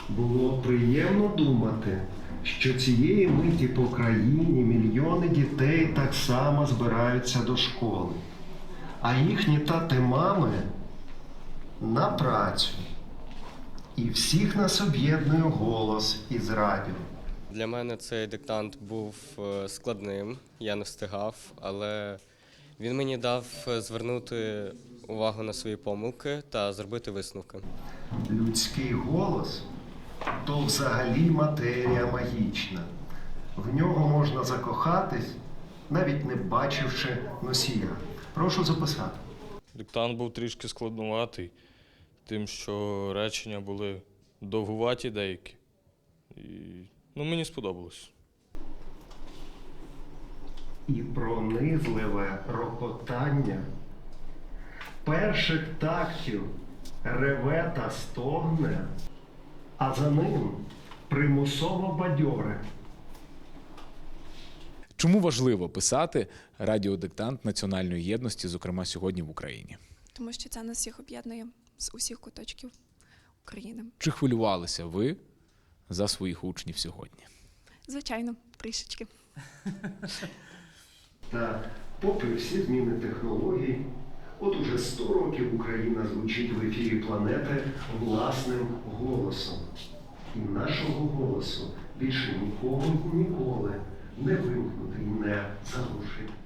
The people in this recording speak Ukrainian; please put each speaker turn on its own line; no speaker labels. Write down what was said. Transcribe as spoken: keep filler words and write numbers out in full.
Було приємно думати, що цієї миті по країні мільйони дітей так само збираються до школи, а їхні тати-мами на працю. І всіх нас об'єднує голос із радіо.
Для мене цей диктант був е, складним, я не встигав, але він мені дав звернути увагу на свої помилки та зробити висновки.
Людський голос – то взагалі матерія магічна. В нього можна закохатись, навіть не бачивши носія. Прошу записати.
Диктант був трішки складнуватий, тим, що речення були довгуваті деякі. І, ну, мені сподобалось.
І пронизливе рокотання перших тактів реве та стогне, а за ним примусово бадьоре.
Чому важливо писати радіодиктант національної єдності, зокрема сьогодні в Україні?
Тому що це нас всіх об'єднує з усіх куточків України.
Чи хвилювалися ви за своїх учнів сьогодні?
Звичайно, трішечки.
Та попри всі зміни технологій, от уже сто років Україна звучить в ефірі планети власним голосом. І нашого голосу більше нікого ніколи не вимкнути і не заглушити.